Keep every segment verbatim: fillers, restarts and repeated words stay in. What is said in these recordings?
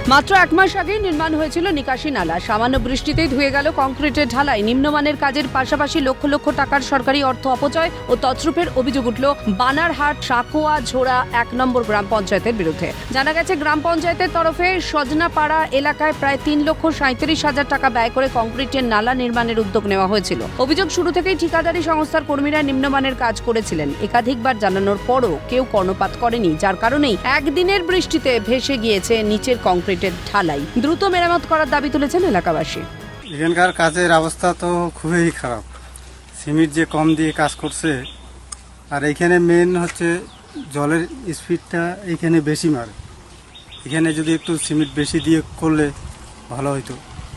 মাত্র এক মাস আগেই নির্মাণ হয়েছিল নিকাশি নালা। সামান্য বৃষ্টিতেই ধুয়ে গেল কংক্রিটের ঢালাই। নিম্নমানের কাজের পাশাপাশি লক্ষ লক্ষ টাকার সরকারি অর্থ অপচয় ও তছরূপের অভিযোগ উঠল বানারহাট সাকোয়া ঝোড়া এক নম্বর গ্রাম পঞ্চায়েতের বিরুদ্ধে। জানা গেছে, গ্রাম পঞ্চায়েতের তরফে সজনাপাড়া এলাকায় প্রায় তিন লক্ষ সাঁত্রিশ হাজার টাকা ব্যয় করে কংক্রিটের নালা নির্মাণের উদ্যোগ নেওয়া হয়েছিল। অভিযোগ, শুরু থেকেই ঠিকাদারি সংস্থার কর্মীরা নিম্নমানের কাজ করেছিলেন। একাধিকবার জানানোর পরও কেউ কর্ণপাত করেনি, যার কারণেই একদিনের বৃষ্টিতে ভেসে গিয়েছে নিচের কংক্রিট ঢালাই। দ্রুত মেরামত করার দাবি তুলেছেন এলাকাবাসী। এখানকার কাজের অবস্থা তো খুবই খারাপ। সিমেন্ট যে কম দিয়ে কাজ করছে, আর এইখানে মেন হচ্ছে জলের স্পিডটা এইখানে বেশি মারে। এখানে যদি একটু সিমেন্ট বেশি দিয়ে করলে ভালো হইতো।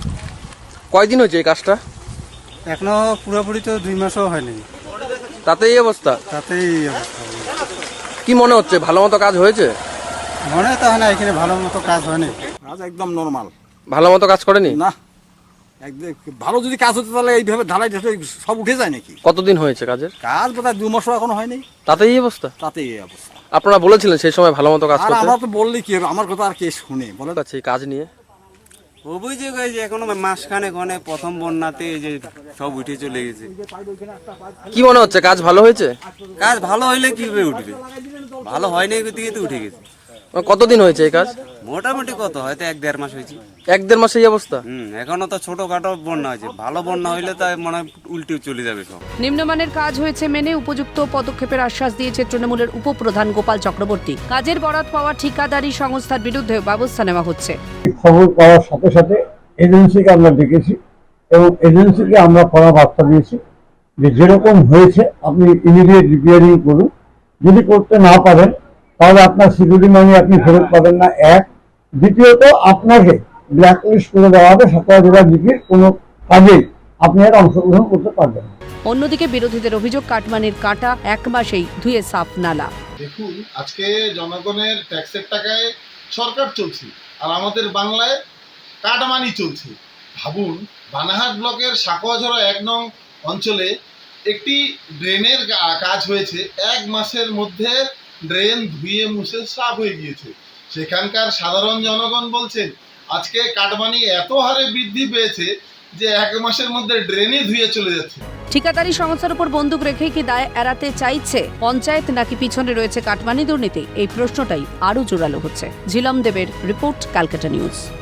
কয়দিন হয়েছে এই কাজটা? এখনো পুরোপুরি তো দুই মাসও হয়নি, তাতেই এই অবস্থা? তাতেই এই অবস্থা। কি মনে হচ্ছে, ভালো মতো কাজ হয়েছে? মনে তো হয় না এখানে ভালো মতো কাজ হয়নি। কাজ একদম নর্মাল, ভালো মতো কাজ করেনি না একদম ভালো যদি কাজ হতো তাহলে এইভাবে ঢালাই ঢালাই সব উঠে যায় নাকি? কতদিন হয়েছে কাজের? কাজ বোধহয় দু মাসও এখনো হয়নি, তাতেই এই অবস্থা? তাতে এই অবস্থা। আপনারা বলেছিলেন সেই সময় ভালো মতো কাজ আর করতে। আমরা তো বললি কি হবে, আমার কথা আর কে শুনে বলে। আছে এই কাজ নিয়ে অভিযোগ হয়েছে এখনো মাসখানেক অনেক প্রথম বন্যাতে এই যে সব উঠে চলে গেছে। কি মনে হচ্ছে, কাজ ভালো হয়েছে? কাজ ভালো হইলে কিভাবে উঠবে, ভালো হয়নি দিকে তো উঠে গেছে। কতদিন হয়েছে এই কাজ? মোটামুটি কত হয়তো এক দেড় মাস হয়েছে। এক দেড় মাসে এই অবস্থা? হুম এখনো তো ছোটখাটো বন্যা হয়েছে, ভালো বন্যা হইলে তাই মনে হয় উল্টে চলে যাবে সব। নিম্নমানের কাজ হয়েছে মেনে উপযুক্ত পদক্ষেপের আশ্বাস দিয়েছে তৃণমূলের উপপ্রধান গোপাল চক্রবর্তী। কাজের বরাত পাওয়া ঠিকাদারি সংস্থার বিরুদ্ধে ব্যবস্থা নেওয়া হচ্ছে। খবর পাওয়ার সাথে সাথে এজেন্সিকে আমরা ডেকেছি এবং এজেন্সিকে আমরা কড়া বার্তা দিয়েছি যে যেরকম হয়েছে আপনি ইমিডিয়েট রিপেয়ারিং করুন। যদি করতে না পারেন তাহলে আপনার সিকিউরিটি মানি আপনি ফেরত পাবেন না, এক। দ্বিতীয়ত, আপনাকে ব্ল্যাকলিস্ট করে দেওয়া হবে। সাতক্ষীরা জেলা জিপির কোনো কাজেই আপনি আর অংশগ্রহণ করতে পারবেন না। অন্যদিকে বিরোধীদের অভিযোগ, কাটমানির কাটা এক মাসেই ধুয়ে সাফ নালা। দেখুন, আজকে জনগণের ট্যাক্সের টাকায় সরকার চলছে আর আমাদের বাংলায় কাটমানি চলছে। ভাবুন, বানারহাট ব্লকের সাকোয়াঝোড়া এক নং অঞ্চলে একটি ড্রেনের কাজ হয়েছে। এক মাসের মধ্যে ড্রেন ধুয়ে মুছে সাফ হয়ে গিয়েছে। সেখানকার সাধারণ জনগণ বলছেন আজকে কাটমানি এত হারে বৃদ্ধি পেয়েছে যে এক মাসের মধ্যে ড্রেনই ধুয়ে চলে যাচ্ছে। ঠিকাদারি সংস্থার উপর বন্দুক রেখেই কি দায় এড়াতে চাইছে পঞ্চায়েত, নাকি পিছনে রয়েছে কাটমানি দুর্নীতি? এই প্রশ্নটাই আরও জোরালো হচ্ছে। ঝিলম দেবের রিপোর্ট, ক্যালকাটা নিউজ।